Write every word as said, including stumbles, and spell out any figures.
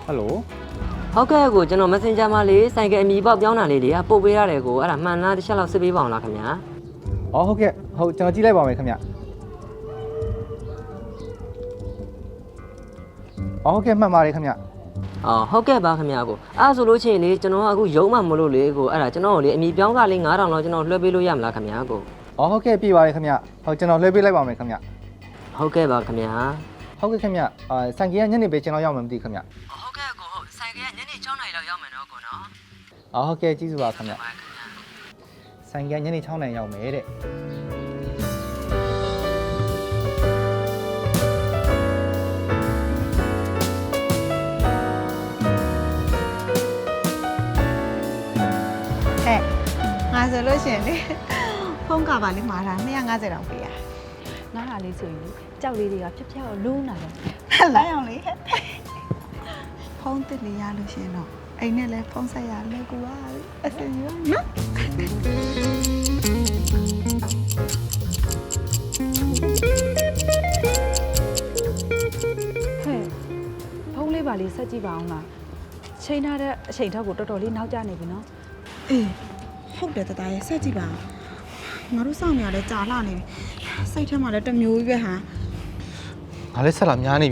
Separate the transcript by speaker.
Speaker 1: Hello
Speaker 2: ဟုတ်ကဲ့ကိုကျွန်တော် Messenger မှာလေးဆိုင်ကအမီပေါက်ပြောင်းတာလေးတွေကပို့ပေးရတယ်ကိုအဲ့ဒါမှန်လားတစ်ချက်လောက်စစ်ပေးပါအောင်လားခင်ဗျာ
Speaker 1: အော်ဟုတ်ကဲ့ဟုတ်ကျွန်တော်ကြည့်လိုက်ပါမယ်ခင်ဗျအော်ဟုတ်ကဲ့မှတ်ပါတယ်ခင်ဗျ
Speaker 2: အော်ဟုတ်ကဲ့ပါခင်ဗျာကိုအဲ့ဆိုလို့ချင်းလေကျွန်တော်ကအခုရုံးမှမလို့လေကိုအဲ့ဒါကျွန်တော်ကိုလေအမီပြောင်းကလေး9000လောက်ကျွန်တော်လွှဲပေးလို့ရမလားခင်ဗျာကို
Speaker 1: အော်ဟုတ်ကဲ့ပြပါတယ်ခင်ဗျဟုတ်ကျွန်တော်လွှဲပေးလိုက်ပါမယ်ခင်ဗျ
Speaker 2: ဟုတ်ကဲ့ပါခင်ဗျာ
Speaker 1: ဟုတ်ကဲ့ခင်ဗျအာဆိုင်ကညနေပဲကျွန်တော်ရောက်မှမသိခင်ဗျ
Speaker 2: ဟုတ်ကဲ့ကိုဟုတ်ဆိုင်ကညနေ6နာရီလောက်ရောက်မယ်နော်ကိုနော်
Speaker 1: အော်ဟုတ်ကဲ့ကျေးဇူးပါခင်ဗျဆိုင်ကညနေ6နာရီရောက်မယ်တဲ့
Speaker 3: ဟဲ့ငါဆိုလို့ရှိရင်လေဖုန်းကပါလေးမှာတာ250တောင်ပေးရ
Speaker 4: ငါဟာလေးဆိုရင်ကြောက်လေးတွေကဖြက်ဖြက်ကိုလူးလာတယ်
Speaker 3: လာအောင်လေဖုန်းတစ်နေရလို့ရှိရင်တော့အိမ်နဲ့လဲဖုန်းဆက်ရလဲကူပါအစင်ရနော်
Speaker 4: ဟဲ့ဖုန်းလေးပါလေးဆက်ကြည့်ပါအောင်လားချိန်ထားတဲ့အချိန်ထောက်ကိုတော်တော်လေးနောက်ကျနေပြီနော်
Speaker 3: အေးဟုတ်တယ်တတရဲ့ဆက်ကြည့်ပါငါတို့စောင့်နေရလဲကြာလာနေပြီစိတ်ထဲမှာလည်းတစ်မျိုးကြီးပဲဟာ
Speaker 1: ငါလည်းဆက်လာများနေ